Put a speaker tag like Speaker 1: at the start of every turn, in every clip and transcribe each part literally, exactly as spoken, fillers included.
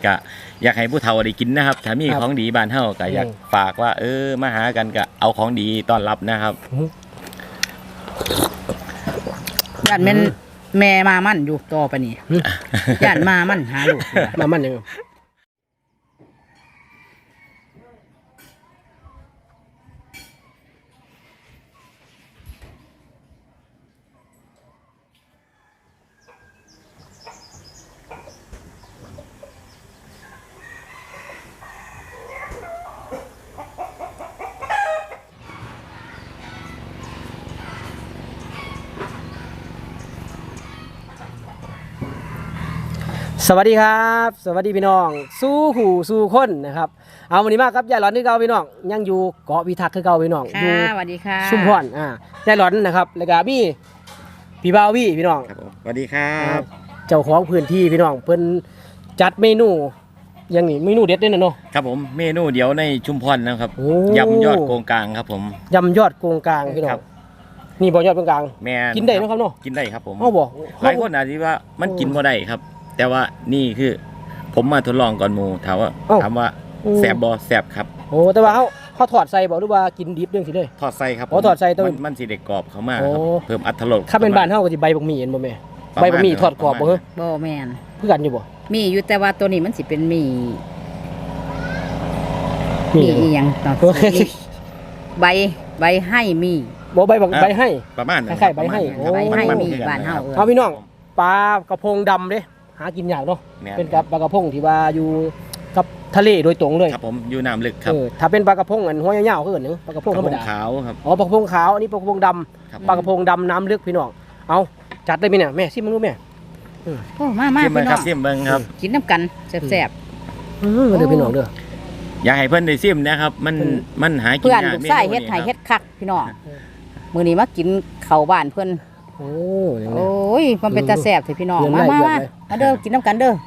Speaker 1: กะอยากให้ผู้เฒ่าได้กินนะครับถ้ามีของดีบ้านเฮาก็อยากฝากว่าเออมาหากันก็เอาของดีต้อนรับนะครับ
Speaker 2: ย่านแม่นแม่มามั่นอยู่ต่อไปนี่ย่านมามั่นหาลูก
Speaker 3: มามั่นยังสวัสดีครับสวัสดีพี่น้องสู้หูสู้คนนะครับเอาวันนี้มาครับยายหลอนที่เก่าพี่น้องยังอยู่เกาะพิทักษ์คือเก่าพี่น้องอยู่
Speaker 2: สวัสดีค่ะ
Speaker 3: ชุมพรอ่ายายหลอนนะครับแล้วก็มีพี่บ่าววี่พี่น้อง
Speaker 1: ครับสวัสดีครับ
Speaker 3: เจ้าของพื้นที่พี่น้องเพิ่นจัดเมนูอย่างนี้เมนูเด็ดด้วยนะเนาะ
Speaker 1: ครับผมเมนูเดียวในชุมพรนะครับยำยอดโกงกลางครับผม
Speaker 3: ยำยอดโกงกลางพี่น้องนี่บ่ยอดโกงกลาง
Speaker 1: แม่
Speaker 3: กินได้นะครับเนาะ
Speaker 1: กินได้ครับผม
Speaker 3: เอาบ่
Speaker 1: หลายคนอาจจะว่ามันกินบ่ได้ครับแต่ว่านี่คือผมมาทดลองก่อนหมูถามว่าถามว่าแสบบอแสบครับ
Speaker 3: โอ้แต่ว่าเขาเขาถอดใส่บอกหรือว่ากินดิบเรื่องสิเลย
Speaker 1: ถอดใส่ครับ
Speaker 3: โอ้ถอดใส่ต้
Speaker 1: นมันสีเด็กกรอบเขามากครับเพิ่มอรรถรส
Speaker 3: ถ้าเป็นบ้านเขาก็จะใบบะหมี่เห็นบ่แม่ใบบะหมี่ทอดกรอบบ่เหรอ
Speaker 2: บ่แม่น
Speaker 3: เพื่อกันอยู่บ่
Speaker 2: มีอยู่แต่ว่าตัวนี้มันสิเป็นหมี่มีอีหยังต่อใบใบให้มี
Speaker 3: บ่ใบใบให้
Speaker 1: ประมาณ
Speaker 3: คล้ายๆใบให้
Speaker 2: ใบให้มีบ้านเฮา
Speaker 3: เอาพี่น้องปลากระพงดำเด้หากินยากเนาะเป็นกับปลากระพงที่ว่าอยู่กับทะเลโดยตรงเลย
Speaker 1: ครับผมอยู่น้ำลึกครับ
Speaker 3: ถ้าเป็นปลากระพงอันหัวยาวๆคืออันนึงปลากระพงธรรมดา
Speaker 1: ขาวครับ
Speaker 3: อ๋อปลากระพงขาวอันนี้ปลากระพงดำปลากระพงดำน้ำลึกพี่น้องเอาจัดได้มั้ยเนี่ยแม่ซิมมึงรู้แม่
Speaker 2: โอ้มามา
Speaker 1: พี่น้องซิมเบิ่งครับ
Speaker 2: กินน้ำกันแซ่บ
Speaker 3: ๆอือเด้อพี่น้องเด้อ
Speaker 1: อยากให้เพิ่นได้ซิมนะครับมันมันหากินยาก
Speaker 2: เพื่อนลูกชายเฮ็ดให้เฮ็ดคักพี่น้องมื้อนี้มากินข้าวบ้านเพิ่น
Speaker 3: โอ้
Speaker 2: โอ้ยมันเป็นตาแซ่บเถอะพี่น้องมามามามาเด้อกินน้ำกันเด้อ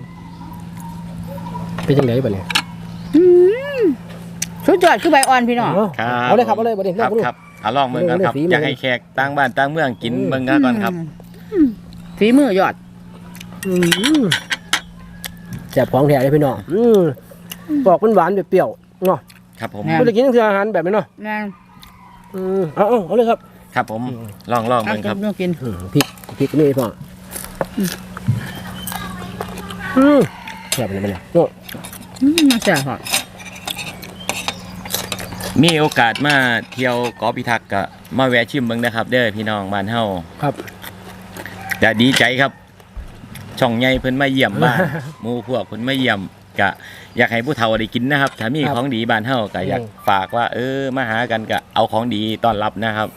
Speaker 3: เป็นจังได๋บัดนี้
Speaker 2: อืมสุดยอดคือใบอ่อนพี่น้อง
Speaker 3: เอาเลยครับเอาเลยบัดนี้
Speaker 1: ครับครับเอาลองเบิ่งกันครับอยากให้แขกต่างบ้านต่างเมืองกินเบิ่งกันก่อนครับ
Speaker 2: ฝีมือยอด
Speaker 3: อืมแซ่บของแท้เลยพี่น้องอืมปอกมันหวานเปรี้ยวเนาะ
Speaker 1: ครับผม
Speaker 3: บ่ได้กินคืออาหารแบบนี้เนาะ
Speaker 2: นั่น
Speaker 3: อืมเอาๆเอาเลยครับ
Speaker 1: ครับผมลองลองมันครับ
Speaker 2: ต้องกิน
Speaker 3: พริกพริกนี่พ่ออืมแซ่บเลยมันเนี่ยโอ้
Speaker 2: อืมแซ่บฮะ
Speaker 1: มีโอกาสมาเที่ยวเกาะพิทักษ์ก็มาแวะชิมเบิ่งนะครับเด้อพี่น้องบ้านเฮา
Speaker 3: ครับ
Speaker 1: จะดีใจครับช่องใหญ่เพิ่นมาเยี่ยมบ้านหมู่พวกเพิ่นมาเยี่ยมก็อยากให้ผู้เฒ่าได้กินนะครับถ้ามีของดีบ้านเฮาก็อยากฝากว่าเออมาหากันก็เอาของดีต้อนรับนะครับ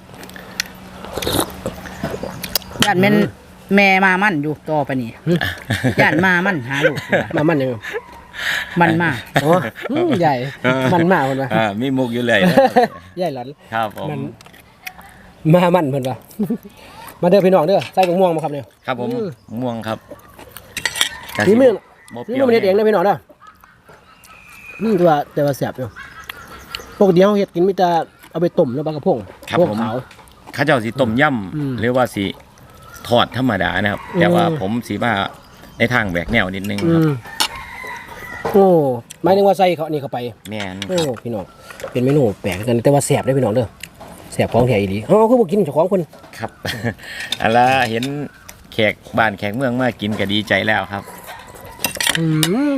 Speaker 2: ย่านแม่นแม่มามั่นอยู่ต่อไปนี่ย่านมามั่นหาลูก
Speaker 3: มามั่นยัง
Speaker 2: มันมา
Speaker 3: อ๋อใหญ่มันมาเพิ่นว่า
Speaker 1: อ่ามีมุกอยู่เลย
Speaker 3: ใหญ่หลอน
Speaker 1: ครับผม
Speaker 3: มามั่นเพิ่นว่ามาเด้อพี่น้องเด้อใส่ม่วงมาครับเนี่ย
Speaker 1: ครับผมม่วงครับ
Speaker 3: นี่มื้อนี่มื้อเฮ็ดเองเด้อพี่น้องเด้ออืมตัวแต่ว่าแซ่บอยู่ปกติเฮาเฮ็ดกินมีแต่เอาไปต้มแล้วปลากระพงพวกขาว
Speaker 1: เขาเจ้าสิต้มยำหรือว่าสิทอดธรรมดานะครับแต่ว่าผมสิว่าในทางแหวกแนวนิดนึงครับ
Speaker 3: โอ้หมายถึงว่าใส่เขานี่เข้าไป
Speaker 1: แม่น
Speaker 3: โอ้พี่น้องเป็นเมนูแปลกกันแต่ว่าแซ่บได้พี่น้องเด้อแซ่บของแท้อีหลีอ๋อคือบ่กินเจ้าของเพิ่น
Speaker 1: ครับอันละเห็นแขกบ้านแขกเมืองมากินก็ดีใจแล้วครับ
Speaker 3: อืม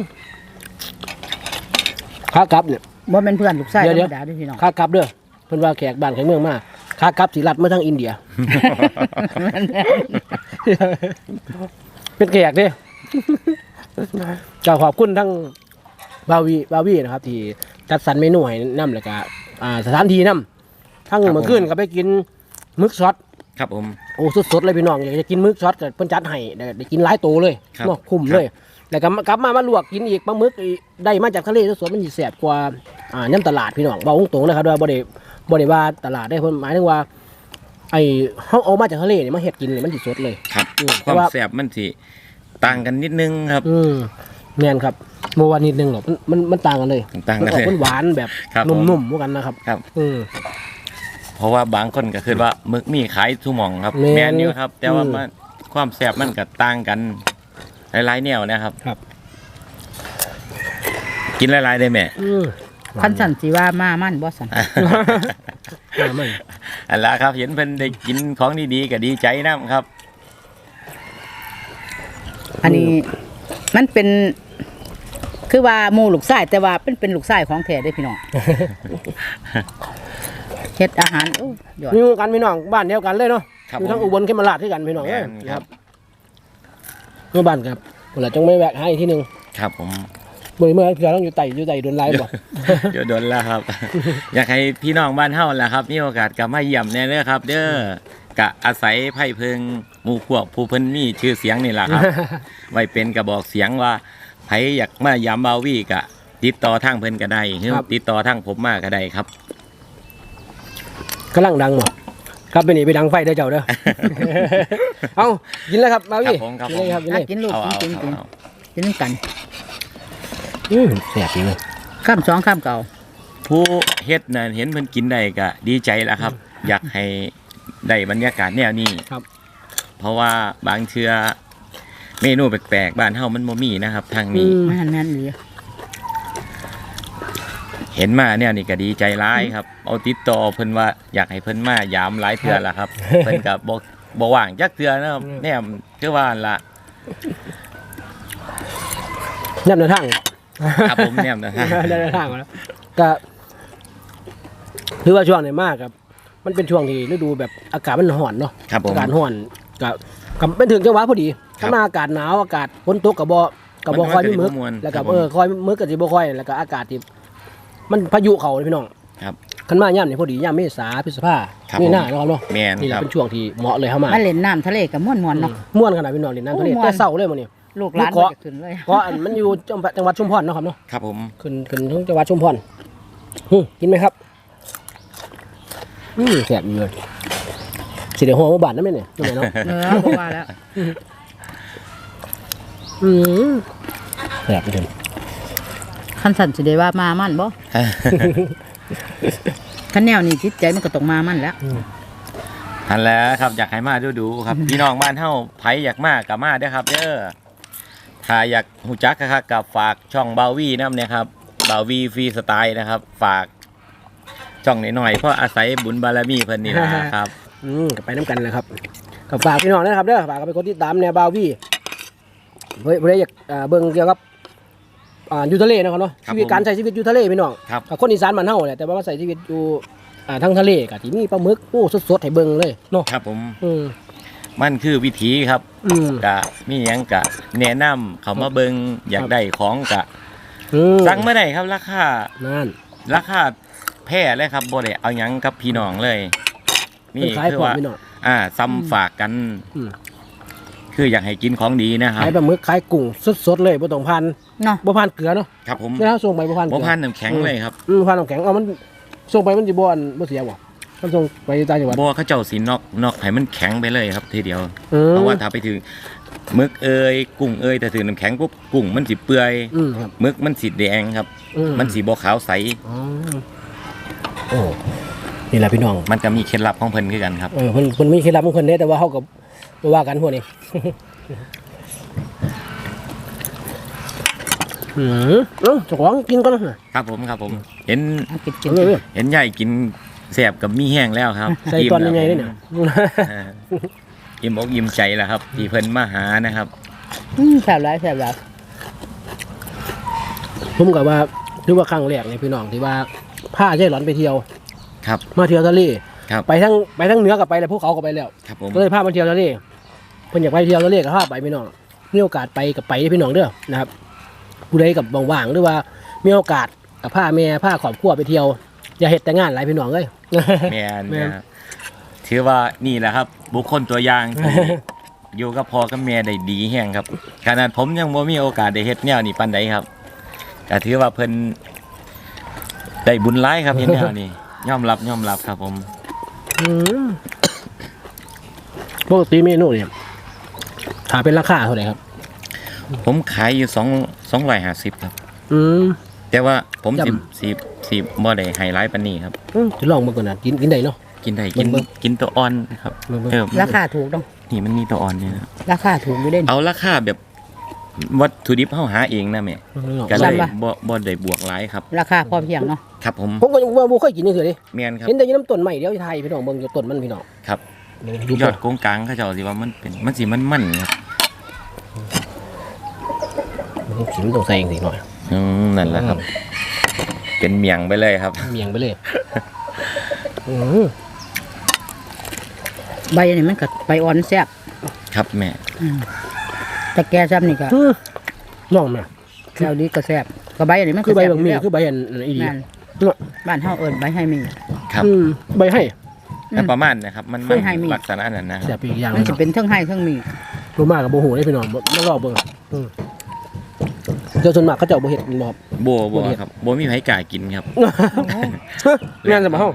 Speaker 3: ขากลับเนี่ย
Speaker 2: บ่แม่นเพื่อนลูกชายธรรมดาเด้อพี่น้อง
Speaker 3: ขากลับเด้อเพิ่นว่าแขกบ้านแขกเมืองมาขากลับสิลัดมาทางอินเดียเป็นแขกเด้เจ้าขอบคุณทั้งบาวีบาวีนะครับที่จัดสรรเมนูให้นำแล้วก็อ่าสถานที่นำทั้งเมื่อคืนก็ไปกินมึกช็อต
Speaker 1: ครับผม
Speaker 3: โอ้สดๆเลยพี่น้องอยากจะกินมึกช็อตก็เพิ่นจัดให้ได้กินหลายโตเลยเนาะคุ้มเลยแล้วก็กลับมามาลวกกินอีกปลาหมึกได้มาจากทะเลสดๆมันสิแซ่บกว่าอ่าน้ำตลาดพี่น้องเว้าตรงๆนะครับว่าบ่ได้บ่ได้ว่าตลาดได้เพิ่นหมายถึงว่าไอ้เฮาเอามาจากทะเลนี่มาเฮ็ดกินนี่มันสิสดเลย
Speaker 1: ครับความแซ่บมันสิต่างกันนิดนึงครับ
Speaker 3: อืมแม่นครับเมื่อวานนิดนึงหรอกมันมันมันต่างกันเลย
Speaker 1: ต่างกันเลย
Speaker 3: มันหวานแบบนุ่มๆเหมือนกันนะครับ
Speaker 1: ครับ
Speaker 3: อืม
Speaker 1: เพราะว่าบางคนก็คือว่าหมึกมีขายทุกหม่องครับแม่นอยู่ครับแต่ว่ามันความแซ่บมันก็ต่างกันหลายๆแนวนะครับ
Speaker 3: ครับ
Speaker 1: กินหลายๆได้แม่
Speaker 3: อืม
Speaker 2: คันสั่นสิว่ามามันบ่สั่น
Speaker 3: อ่ามัน
Speaker 1: อันละครับเห็นเพิ่นได้กินของดีๆก็ดีใจนํครับ
Speaker 2: อันนี้มันเป็น คือว่าหมู่ลูกชายแต่ว่าเป็นเป็นลูกชายของแท้เด้อพี่น้อง เฮ็ดอาหารโอ้ยอด
Speaker 3: มีกันพี่น้องบ้านเดียวกันเลยเนาะ
Speaker 1: ครับ
Speaker 3: อยู่ทั้ง
Speaker 1: ผม
Speaker 3: อุบลเขมราชที่กันพี่น้อง
Speaker 1: แม่
Speaker 3: เอ้ย
Speaker 1: นครับ
Speaker 3: เมื่อบ้านครับเวลาจงไม่แวะให้อีกทีหนึง
Speaker 1: ครับผม
Speaker 3: เมื่อเมื่อพี่ต้องอยู่ไต่อยู่ไต่โดนไล่บ่
Speaker 1: เดี๋ยวโดนแล้วครับ อยากให้พี่น้องบ้านเฮาล่ะครับมีโอกาสกลับมาเยี่ยมแน่เด้อครับ เด้อกะอาศัยไผ่เพิงหมู่พวกผู้เพิ่นมีชื่อเสียงนี่ล่ะครับ ไว้เป็นกระบอกเสียงว่าไผอยากมายามบาวีกะ ติดต่อทางเพิ่นก็ได้หรือ
Speaker 3: ครับ
Speaker 1: ติดต่อทางผมมาก็ได้ครับ
Speaker 3: กำลังดังบ่ครับไปนี่ไปดังไฟเด้อเจ้า เด้อ เอากินแล้วครับมา
Speaker 1: ครั
Speaker 3: พี่
Speaker 1: บผมครับ
Speaker 3: กิน
Speaker 1: ผ
Speaker 3: เลย
Speaker 1: ม
Speaker 3: ครับกิน
Speaker 2: อ่ะ
Speaker 3: เลย
Speaker 2: กินลูก
Speaker 1: เอาเอา
Speaker 2: กินกิน
Speaker 1: เอา
Speaker 2: กินกัน
Speaker 3: อืมแซ่บจริงเลย
Speaker 2: ข้ามสองข้ามเก่า
Speaker 1: ผู้เฮ็ดน่ะเห็นเพิ่นกินได้ก็ดีใจแล้วครับ อยากให้ได้บรรยากาศแนวนี้
Speaker 3: ครับ
Speaker 1: เพราะว่าบางเทื่อเมนูแปลกๆบ้านเฮามันบ่มีนะครับทางนี้
Speaker 3: อืม
Speaker 2: แม่นแม่นดี
Speaker 1: เห็นมาเนี่ยนี่ก็ดีใจร้ายครับ เอาติดต่อเพิ่นว่าอยากให้เพิ่นมายามหลายเทื่อละครับ เพิ่นก็บ่บ่ว่างจักเทื่อนะครับ
Speaker 3: อืม
Speaker 1: แนมคือว่าล่ะ
Speaker 3: ยับในทาง
Speaker 1: ครับผมแนมนะฮะ
Speaker 3: ยับในทางมาแล้วก็คือว่าช่วงไหนมากครับ มันเป็นช่วงที่ฤดูแบบอากาศมันร้อนเนาะ
Speaker 1: ครับผม
Speaker 3: อากาศร้อนก็กับเป็นถึงจังหวะพอดี
Speaker 1: ครับ
Speaker 3: ถ้ามาอากาศหนาวอากาศฝนตกกับบ่กับบ่
Speaker 1: มัน
Speaker 3: คอยมีมึก
Speaker 1: มันจะบ่ม่วน
Speaker 3: แล้วก็
Speaker 1: ครับผม
Speaker 3: เออคอยมึกกับสิบ่คอยแล้วก็อากาศที่มันพายุเขาเลยพี่น้อง
Speaker 1: ครับ
Speaker 3: คันมาย่ำนี่พอดีย่ำเมษาพฤษภา
Speaker 1: ครับ
Speaker 3: นี่
Speaker 1: ผม
Speaker 3: หน้าเนาะครับเนาะ
Speaker 1: แม่น
Speaker 3: นี่แห
Speaker 1: ค
Speaker 3: ละ
Speaker 1: รับ
Speaker 3: เป็นช่วงที่เหมาะเลยเข้ามา
Speaker 2: มาเล่นน้ำทะเลกับม่วนๆเนาะ
Speaker 3: ม่วนขนาดพี่น้องเล่นน้ำทะเล
Speaker 2: โอ้ม่วน
Speaker 3: แต่เศร้าเลยมื้อนี้
Speaker 2: ลูกหลาน
Speaker 3: ลูกเกาะ
Speaker 2: ก็จะขึ้นเลย
Speaker 3: เพราะอันมันอยู่จังหวัดจังหวัดชุมพรเนาะครับเนาะ
Speaker 1: ครับผม
Speaker 3: ขึ้นขึ้นทั้งจังหวัดชุมพรหึกินไหมครับอืมแซ่บอยู่เลยสิเดี๋ยวหัวมาบาดนั่นไหมเนี่ยนั่นไหมเนาะ
Speaker 2: เออบ่ว่าแล้ว
Speaker 3: อืมแซ่บจริง
Speaker 2: คันสั่นสิได้ว่ามามันบ่คันแนวนี้จิตใจมันก็ต้องมามันแล้ว
Speaker 1: อันแล้วครับอยากให้มาดูดูๆครับ พี่น้องบ้านเฮาไผอยากมาก็มาเด้อครับเด้อถ้าอยากฮู้จักครับกับฝากช่องบาวีนำเนี่ยครับบาวีฟรีสไตล์นะครับ ฝากช่องหน่อยๆเพราะอาศัยบุญบารมีเพิ่นนี่นะครับ
Speaker 3: อืมก็ไปน้ำกันเลยครับกับฝากพี่น้องนะครับเด้อฝากกันไปกดติดตามแนวบาวี่เฮ้ยเพื่ออยากอ่าเบิ่งเกี่ยวกับอ่าอยู่ทะเลนะครับเนาะ
Speaker 1: ครับ
Speaker 3: ชีวิตการใช้ชีวิตอยู่ทะเลพี่น้อง
Speaker 1: ครับ
Speaker 3: กับคนอีสานบ้านเฮาแหละแต่ว่ามาใส่ชีวิตอยู่อ่าทั้งทะเลก็ที่มีปลาหมึกโอ้สดๆให้เบิ่งเลยเนาะ
Speaker 1: ครับผม
Speaker 3: อืม
Speaker 1: มันคือวิถีครับ
Speaker 3: อืม
Speaker 1: กะมีหยังกะแนะนำเขามาเบิงอยากได้ของกะ
Speaker 3: อืม
Speaker 1: สั่งไม่ได้ครับราคา
Speaker 3: นั่น
Speaker 1: ราคาแพ้เลยครับบ่ได้เอาหยังกับพี่น้องเลย
Speaker 3: เพิ่นขาย
Speaker 1: คื
Speaker 3: พร้อม
Speaker 1: ว่า
Speaker 3: พี่น้อง
Speaker 1: อ่าซ้ำฝากกัน
Speaker 3: อืม
Speaker 1: คืออยากให้กินของดีนะครับ
Speaker 3: ขายปลาหมึกขายกุ้งสดๆเลยบ่ต้องพัน
Speaker 2: เนาะ
Speaker 3: บ่พันเกลือเนาะ
Speaker 1: ครับผม
Speaker 3: เวลาส่งไปบ่พันเก
Speaker 1: บ่
Speaker 3: ลือ
Speaker 1: พันน้ำแข็งเลยครับ
Speaker 3: อืมพันน้ำแข็งเอามันส่งไปมันสิบ่อันบ่เสียบ่มันส่งไปต่างจังหวัด
Speaker 1: บ่เขาเจ้าสินอกนอกให้มันแข็งไปเลยครับทีเดียว
Speaker 3: อืม
Speaker 1: เพราะว่าถ้าไปถึงหมึกเอยกุ้งเอยแต่ถึงน้ำแข็งปุ๊บกุ้งมันสิเปื่อย
Speaker 3: อืมครับ
Speaker 1: หมึกมันสิแดงครับ
Speaker 3: อื
Speaker 1: มันสีบ่ขาวใส
Speaker 3: อ๋อโอ้นี่แหละพี่น้อง
Speaker 1: มันก็มีเคล็ดลับของเพิ่นคือกันครับ
Speaker 3: เออเพิ่นเพิ่นมีเคล็ดลับของเพิ่นเด้แต่ว่าเฮาก็บ่ว่ากันพวกนี้ อืมเอ้าเจ้าของกินก่อนนะครับ
Speaker 1: ผมครับผม เห็น
Speaker 2: เอากินกิน
Speaker 3: เอาเลย
Speaker 1: เห็นใหญ่กินแสบกับมีแห้งแล้วครับ
Speaker 3: ใส่ตอนยังไงนี่เนี่ย
Speaker 1: เอออิ่มอกอิ่มใจแล้วครับ ที่เพิ่นมาหานะครับ
Speaker 2: อืมแซ่บหลายแซ่บหลาย
Speaker 3: ผมก็ว่าถือว่าครั้งแรกในพี่น้องที่ว่าพาใช่หลอนไปเที่ยว
Speaker 1: ครับ
Speaker 3: มาเที่ยวทะเล
Speaker 1: ครับ
Speaker 3: ไปทั้งไปทั้งเหนือกับไปแล้วภูเขาก็ไปแล้ว
Speaker 1: ครับผม
Speaker 3: ก็เลยพามาเที่ยวทะเลเพิ่นอยากไปเที่ยวทะเลก็พาไปพี่น้องมีโอกาสไปกับไปพี่น้องเด้อนะครับผู้ใดกับว่างๆหรือว่ามีโอกาสกับพาแม่พาครอบครัวไปเที่ยวอย่าเฮ็ดแต่งานหลายพี่น้องเอ้ย
Speaker 1: แม่น
Speaker 3: แม่น
Speaker 1: นะครับถือว่านี่แหละครับ บุคคลตัวอย่างที่ อยู่กับพ่อกับแม่ได้ดีแห้งครับขนาดผมยังบ่มีโอกาสได้เฮ็ดแนวนี้ปานใดครับก็ถือว่าเพิ่นได้บุญหลายครับเฮ็ดแนวนี้ยอมรับยอมรับครับผม
Speaker 3: อืมปกติเมนูเนี่ยถ้าเป็นราคาเท่าไหร่ครับ
Speaker 1: ผมขายอยู่สองสองร้อยห้าสิบครับ
Speaker 3: อืม
Speaker 1: แต่ว่าผม
Speaker 3: จำ
Speaker 1: สิบสิบสิบบ่ได้ไฮไลท์ปานนี้ครับ
Speaker 3: อืมจะลองมาก่อนนะกินกินได้เนาะ
Speaker 1: กินได้กิน
Speaker 3: เบิ่ง
Speaker 1: กินตัวอ่อนครับ
Speaker 3: เบิ่งเบิ่ง
Speaker 1: เออ
Speaker 2: ราคาถูกต้อง
Speaker 1: นี่มันมีตัวอ่อนเนี่ยนะ
Speaker 2: ราคาถูกอยู่เด่น
Speaker 1: เอาราคาแบบวัตถุดิบเฮาหาเองนะแม่ก็เลยบ่บ่ได้บวกหลายครับ
Speaker 2: ราคาพอเพียงเนาะ
Speaker 1: ครับผม
Speaker 3: ผมก็ยังบ่เคยกินนี่คือดิ
Speaker 1: แม่นครับ
Speaker 3: เห็นแต่อยู่น้ำต้นใหม่เดียวไทยพี่น้องเบิ่งอยู่ต้นมันพี่น้อง
Speaker 1: ครับ
Speaker 3: ดู
Speaker 1: ยอดโกงกลางเขาเจ้าสิว่ามันเป็นมันสิมันๆครับ
Speaker 3: ขิมต้องใส่เองสิหน่อย
Speaker 1: อืมนั่นแหละครับ เป็นเมียงไปเลยครับ
Speaker 3: เมียงไปเลยอือ
Speaker 2: ใบนี่มันก็ใบอ่อนแซ่บ
Speaker 1: ครับแม่
Speaker 2: อืมแต่แกซ้ำนี่ก็
Speaker 3: น้องแม่
Speaker 2: แก้วนี้ก็แซ่บก็ใบอันนี้มันก็
Speaker 3: คือใบ
Speaker 2: แซ่
Speaker 3: บางมี
Speaker 2: ยู่แล้ว
Speaker 3: คือใบอันอีดี
Speaker 2: นั่นบ้านเฮาเอิ้นใบให้มี
Speaker 1: ครับ
Speaker 3: อืมใบให้
Speaker 1: แต่ประมาณนะครับมัน
Speaker 2: เค
Speaker 1: มัน
Speaker 2: ยให้มี
Speaker 1: ลักษณะนั้นนะค
Speaker 3: แซ่
Speaker 1: รั
Speaker 3: บบ อีกอย่าง
Speaker 2: มันจะเป็นเทั้งให้เทั้งมี
Speaker 3: รู้มากกับโบหูได้พี่น้องไม่รอบเบิ่งอืมเจ้าส่วนมากเขาเจ้าบ่เฮ็ดบ่ครับ
Speaker 1: โบโบครับโบมีไผกล้ากินครับ
Speaker 3: แม่นจะมาเฮา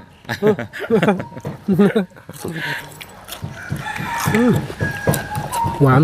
Speaker 3: อืมหวาน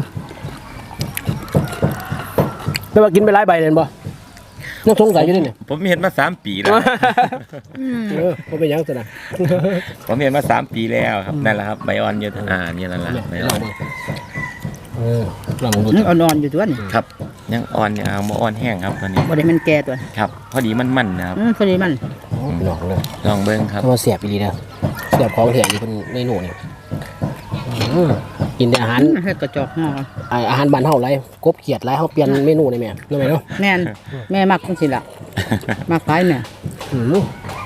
Speaker 3: แต่ว่ากินไปหลายใบเลยบ่ยังสงสัยอยู่นี่เนี่ย
Speaker 1: ผมเห็นมาสามปีแล้ว
Speaker 2: อืม
Speaker 3: เออบ่เป็นหยังซะนะ
Speaker 1: ผมเห็นมาสามปีแล้วครับนั่นแหละครับใบอ่อนเยอะอ่าเนี่ยนั่นแหละใบ
Speaker 3: ล
Speaker 1: อ่
Speaker 3: อ
Speaker 1: อง น
Speaker 3: ดูเออลองดู
Speaker 2: มันอ่อนๆอยู่ตัวนี่
Speaker 1: ครับ ยังอ่อนยังบ่อ่อนแห้งครับตอนนี้
Speaker 2: บ่ได้มันแก่ตัว
Speaker 1: ครับ พอดีมันมันนะครับ
Speaker 2: อืมพอดีมัน
Speaker 3: ลองเลย
Speaker 1: ลองเบิ้งครับ
Speaker 3: ถ้ามาเสียบอีหลีนะเสียบของแท้อยู่เพิ่นในหนูนี่อืมกินแต่อาหาร
Speaker 2: อืมเฮ็ดกระจอกห่อ
Speaker 3: อ่าอาหารบ้านเฮาหลายกบเขียดหลายเฮาเปลี่ยนเมนูได้แม่เนาะแม่เนาะ
Speaker 2: แม่นแม่มักจังซี่ล่ะมักหลายแม่
Speaker 3: อืม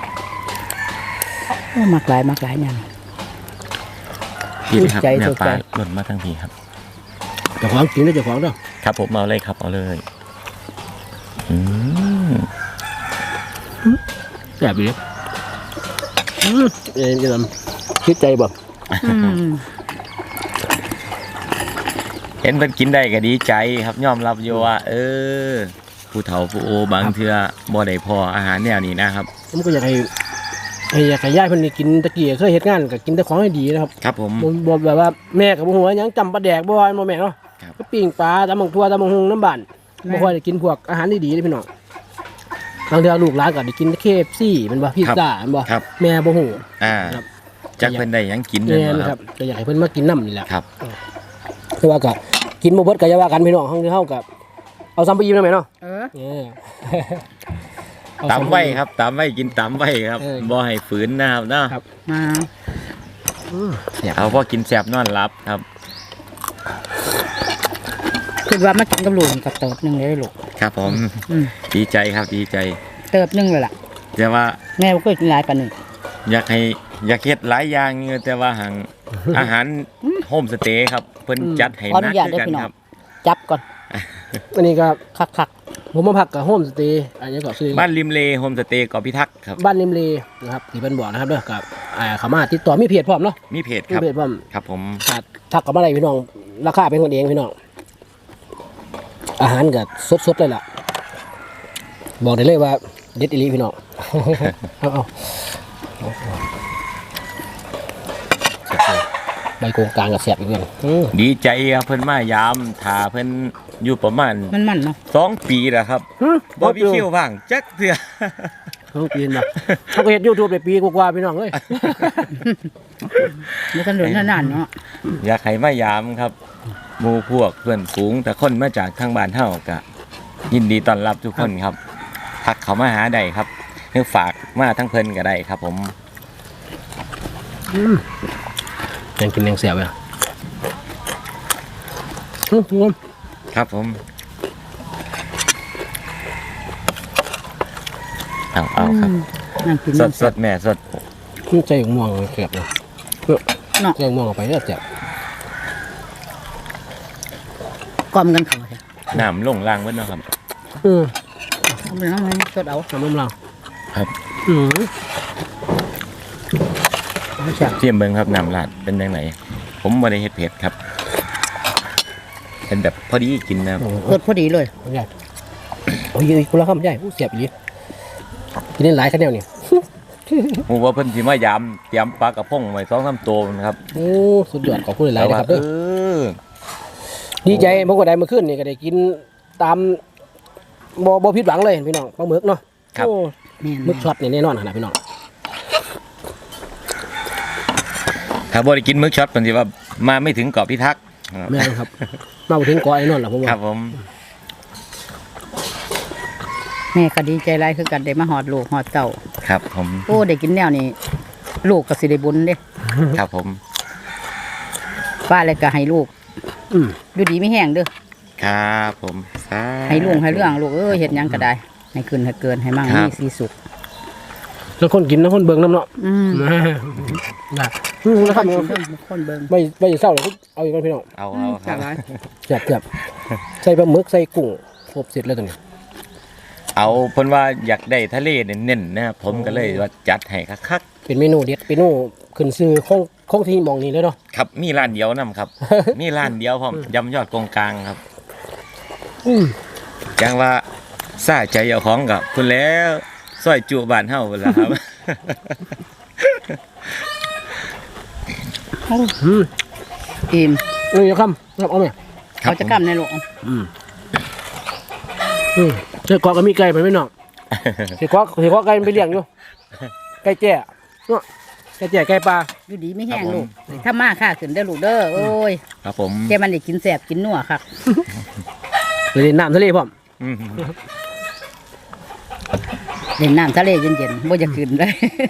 Speaker 2: เออมักหลายมักหลายแม่
Speaker 1: พี่ครับ
Speaker 2: ใจ
Speaker 1: เนี่ย
Speaker 2: สด
Speaker 1: ป
Speaker 2: ใจ
Speaker 1: ลาหล่นมาทั้งทีครับ
Speaker 3: เจ้าของกินได้เจ้าของเด้อ
Speaker 1: ครับผมเอาเลยครับเอาเลยอืม
Speaker 3: แซ่บอีหลีอืมเอ็นจะทำคิดใจบ่
Speaker 2: อืม
Speaker 1: เห็นเพิ่นกินได้ก็ดีใจครับยอมรับอยู่ว่า เออ ผู้เฒ่าผู้โอบางเทื่อบ่ได้พออาหารแนวนี้นะครับ
Speaker 3: ผมก็อยากให้ให้อยากให้ยายเพิ่นได้กินตะกี้เคยเฮ็ดงานก็กินแต่ของให้ดีนะครับ
Speaker 1: ครับผม
Speaker 3: บ่บ่แบบว่าแม่ก็บ่ฮู้ว่าหยังจำปลาแดกบ่ว่าบ่แม่เนาะ
Speaker 1: ครับ
Speaker 3: ก็ปิ้งปลาตำบักทั่วตำบักหุ่งน้ำบ้านบ่ค่อยได้กินพวกอาหารดีๆเด้อพี่น้องบางเทื่อลูกหลานก็ได้กิน เค เอฟ ซี แมันบ่พิซซ่าแมันบ่
Speaker 1: ครับ
Speaker 3: แม่บ่ฮู้
Speaker 1: อ่า
Speaker 3: ครับ
Speaker 1: จักเพิ่นได้หยังกิน
Speaker 3: แม่
Speaker 1: นั่น
Speaker 3: น
Speaker 1: บ่
Speaker 3: ค
Speaker 1: ค
Speaker 3: รั
Speaker 1: รั
Speaker 3: บบ ก็อยากให้เพิ่นมากินน้ำนี่แหละ
Speaker 1: ครับ
Speaker 3: แต่ว่าก็กินบ่เบิดก็อย่าว่ากันพี่น้องเฮาเฮาก็เอาซ้ำไปอิ่มได้ไหมเนาะ
Speaker 2: เออ
Speaker 3: เออเอา
Speaker 1: ตำ
Speaker 3: ซ้ำ
Speaker 1: ไว้ครับตำไว้กินตำไว้ครับ
Speaker 3: เออ
Speaker 1: บ่ให้ฝืนนะครับเนาะ
Speaker 3: ครับ
Speaker 2: มา
Speaker 3: อืมแซ่บ
Speaker 1: เอาพอกินแซ่บนอนหลับครับ
Speaker 2: คิดว่ามากินกับลูกกับเติบหนึงเลยลูก
Speaker 1: ครับผม
Speaker 2: อืม
Speaker 1: ดีใจครับดีใจ
Speaker 2: เติบหนึงเลยล่ะ
Speaker 1: แต่ว่า
Speaker 2: แม่บ่เคยกินหลายปานนี้
Speaker 1: อยากให้อยากเฮ็ดหลายอย่างอยู่แต่ว่าหัง อาหารโฮมสเตย์ครับเพิ่นจัดให้
Speaker 2: ขออ
Speaker 1: หนั
Speaker 2: นุ
Speaker 1: ก
Speaker 2: ญาต
Speaker 1: คือ
Speaker 2: ได้
Speaker 1: กัน
Speaker 2: พี่น้อ
Speaker 1: ค
Speaker 2: ง
Speaker 1: รับ
Speaker 2: จับก่อน
Speaker 3: อันนี้ก็
Speaker 2: คัก
Speaker 3: ผมมาพักกับโฮมสเตย์อันนี้ก็ซื้อ
Speaker 1: บ้านริมเลโฮมสเตย์เกาะพิทักษ์ครับ
Speaker 3: บ้านริมเลนะครับที่เพิ่นบอกนะครับเด้อกับอ่าเขามาติดต่อมีเพจพร้อมเนาะ
Speaker 1: มีเพจ
Speaker 3: มี
Speaker 1: ครับ
Speaker 3: เพจพร้อม
Speaker 1: ครับผม
Speaker 3: ถ้าทักกับมาได้พี่น้องราคาเป็นกันเองพี่น้องอาหารก็สดๆเลยล่ะบอกได้เลยว่าเด็ดอีหลีพี่น้อง เอาเอาใบโกงกลางกับแสบอีกเงี้ยอืม
Speaker 1: ดีใจครับเพิ่นมายามถาเพิ่นอยู่ประมาณ
Speaker 2: ๆมันมันๆเนาะ
Speaker 1: สองปีแล้วครับบ่มีคิวว่างจักเทื่อ
Speaker 3: เขาปีนมาเขาก็เห็นยูทูบได้ปีกว่าๆพี่น้องเลย
Speaker 2: มันถนนนานๆเนาะ
Speaker 1: อยากให้มายามครับหมู่พวกเพื่อนฝูงแต่คนมาจากทางบ้านเฮาก็ยินดีต้อนรับทุกคนครับทักเขามาหาได้ครับหรือฝากมาทั้งเพิ่นก็ได้ครับ ผม
Speaker 3: ยังกินยังเสียบเลยอืมงม
Speaker 1: ครับผมเอาเอาครับ
Speaker 2: นั่งกิน
Speaker 1: ส
Speaker 2: นั่
Speaker 1: ด
Speaker 2: ง
Speaker 1: สดแม่สด
Speaker 3: ใจม่วงเสียบเลย
Speaker 2: เนาะ
Speaker 3: ใจม่วงออกไปเรื่อยเสียบ
Speaker 2: กลอมกันเขาใช่
Speaker 1: น้ำลงล่างเบิดเนาะครับ
Speaker 3: อืม
Speaker 2: เอาไปเอาไปสดเอา
Speaker 3: น้ำนมเรา
Speaker 1: ครับ
Speaker 3: อืม
Speaker 2: เอาแซ่บ
Speaker 1: เทียมเบิ่งครับน้ำลาดเป็นจังไดผมบ่ได้เฮ็ดเผ็ดครับ เป็นแบบพอดีกินนะครับ
Speaker 2: สดพอดีเลย
Speaker 3: ใหญ่โอ้ยคุณละคำใหญ่ผู้เสียบอีกกินได้หลายคะแนนนี่
Speaker 1: ฮู้ว่าเพิ่นสิมายามเตรียมปลากระพงไว้สองสามตัวนะครับ
Speaker 3: โอ้สุดยอดขอบคุณหลายๆนะครับ
Speaker 1: เอ
Speaker 3: เด้อ
Speaker 1: อ
Speaker 3: ดีใจผมก็ได้เมื่อคืนนี่ก็ได้กินตามบ่บ่ผิดหวังเลยพี่น้องปลาหมึกเนาะ
Speaker 1: ครับ
Speaker 3: โอ้
Speaker 2: แม่น
Speaker 3: หมึกช็อตนี่แน่นอนขนาดพี่น้อง
Speaker 1: ถ้าบ่ได้กินมื้อช็อตเพิ่นสิว่ามาไม่ถึงเกาะพิทักษ์ครับ
Speaker 3: แม่นครับ มาบ่ถึงเกาะไอ้นอนล่ะผม
Speaker 1: ค
Speaker 3: ว่า
Speaker 1: รับผม
Speaker 2: แม่ก็ดีใจหลายคือกันได้มาหอดลูกหอดเต่า
Speaker 1: ครับผม
Speaker 2: โอ้ได้กินแนวนี้ลูกก็สิได้บุญเด้
Speaker 1: ครับผม
Speaker 2: ป้าเลยก็ให้ลูก
Speaker 3: อืม
Speaker 2: อยู่ดีไม่แห้งเด้อ
Speaker 1: ครับผมสาธุ
Speaker 2: ให้ลุงให้เรื่องลูกเอ้ยเฮ็ดหยังก็ได้ ให้ขึ้นให้เกินให้มั่ง
Speaker 1: ครับ
Speaker 2: มีสีสุข
Speaker 3: แล้วคนกินแล้วคนเบิ่งน้ำเนาะ
Speaker 2: อืม
Speaker 3: นะอืมนะค
Speaker 2: ค
Speaker 3: รั
Speaker 2: น
Speaker 3: บ
Speaker 2: เบิ่งคนเบิ่ง
Speaker 3: ไม่ไม่เศร้าเลยเอาอีกคนพี่น้อง
Speaker 1: เอาเอาค
Speaker 2: จา
Speaker 1: รับ
Speaker 2: กหลาย
Speaker 3: เจ็บเจ็บใส่ปลาหมึกใส่กุ้งครบเสร็จแล้วตัวนี้
Speaker 1: เอาเพิ่นว่าอยากได้ทะเลเน้นๆนะครับผมก็เลยว่าจัดให้คัก
Speaker 3: เป็นเมนูเด็ดเมนูขึ้นซื้อของของที่หมองนี้เลยเนาะ
Speaker 1: ๆครับมีร้านเดียวนํครับ มีร้านเดียวพร้อมยำยอดกงกลางครับ
Speaker 3: อืม
Speaker 1: จังว่าซาใจเอาของกับคุณแล้วซอยจุบ้านเฮาพุ่นล่ะครับ
Speaker 3: อืม
Speaker 2: อิ่ม
Speaker 3: นี่ครับครับเอาไหม
Speaker 2: เขาจะกำในลูก
Speaker 3: อืมอืมเจ้ากอก็มีไก่ไปไหมน้องเจ้ากอเจ้ากอไก่มันไปเลี้ยงอยู่ไก่แจ้เนาะไก่แจ้ไก่ปลา
Speaker 2: อยู่ดีไม่แห้ง
Speaker 1: ครับผม
Speaker 2: ลูกถ้ามาค่าขึ้นได้อลูกเด้อโอ้ย
Speaker 1: ครับผม
Speaker 2: แกมันได้กินแสบกินนัวครับ
Speaker 3: เลยเล่นน้ำทะเลพร้อม
Speaker 1: อืม
Speaker 2: เล่นน้ำทะเลเย็นๆบ่จะขึ้นเลย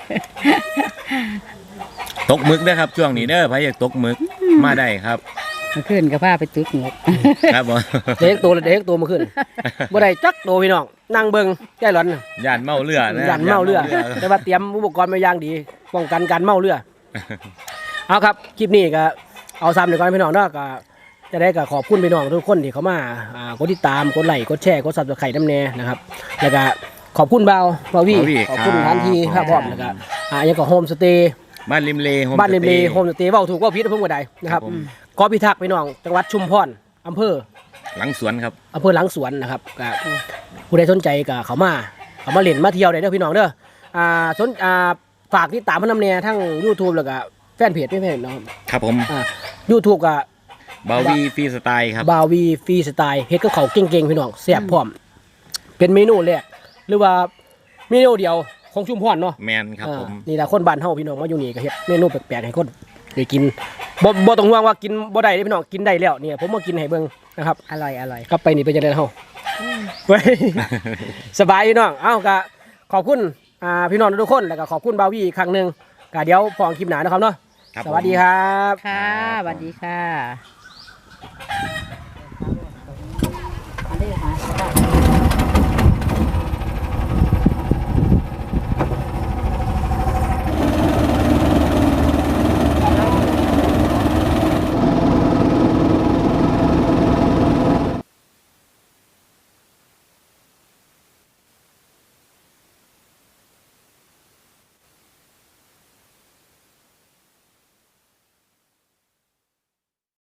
Speaker 1: ตกหมึกนะครับช่วงนี้เด้อใครอยากตกหมึกมาได้ครับ
Speaker 2: เมื่อคืนก็พาไปตึกงบ
Speaker 1: ครับผม
Speaker 3: เด็กตัวเลยเด็กตัวมาขึ้นบ่ได้จักตัวพี่น้องนั่งเบิ่งใจร้อนน่ะ
Speaker 1: ย่านเมาเรือนะ
Speaker 3: ยันเมาเรือ แต่ว่าเตรียมอุปกรณ์มาอย่างดีป้องกันการเมาเรือ เอาครับคลิปนี้ก็เอาซ้ำเดี๋ยวก่อนพี่น้องเนาะก็จะได้ก็ขอบคุณพี่น้องทุกคนที่เขามาอ่ากดติดตามกดไลค์กดแชร์กดซับสไครต์น้ำแน่นะครับแล้วก็ขอบคุณเบาเบาวี่ขอบคุณทันทีครับพร้อมแล้วก็อ่ายังก็โฮมสเตย์
Speaker 1: บ้านริมเลโฮม
Speaker 3: บ้านเรม
Speaker 1: ส
Speaker 3: เล
Speaker 1: ตย์
Speaker 3: โฮมสเตย์เว้าถูกเว่าผิดเพิ่งบ่ได้นะครับ
Speaker 1: ครับผม
Speaker 3: กอพิทักษ์พี่น้องจังหวัดชุมพรอำเภอ
Speaker 1: หลังสวนครับ
Speaker 3: อำเภอหลังสวนนะครับก็ผู้ใดสนใจก็เขามาเขามาเล่นมาเที่ยวได้เด้อพี่น้องเด้ออ่าสนอ่าฝากติดตามพนำแน่ทั้ง YouTube แล้วก็แฟนเพจไม่แฟนเนาะ
Speaker 1: ครับผม
Speaker 3: อ่า YouTube ก็
Speaker 1: บาวีฟรีสไตล์ครับ
Speaker 3: บาวีฟรีสไตล์เฮ็ดกับเขาวเก่งๆพี่น้องแซ่บพร้อม เป็นเมนูแรกหรือว่าเมนูเดียวของชุมพรเนาะ
Speaker 1: แมนครับผม
Speaker 3: อ่านี่ล่ะคนบ้านเฮาพี่น้องมาอยู่นี่ก็เฮ็ดเมนูแปลกๆให้คนได้กินบ่บ่ต้องห่วงว่ากินบ่ได้เด้อพี่น้องกินได้แล้วเนี่ยผมมากินให้เบิ่งนะครับ
Speaker 2: อร่อยอร่อย
Speaker 3: กลับไปนี่เป็นจังได๋เฮาเว้ย สบายพี่น้องเอ้าก็ขอบคุณอ่าพี่น้องทุกคนแล้วก็ขอบคุณบาวีอีกครั้งหนึงก็เดี๋ยวพอคลิปหน้านะครับเนาะ
Speaker 1: ครับ
Speaker 3: สวัสดีครับ
Speaker 2: ค่ะสวัสดีค่ะ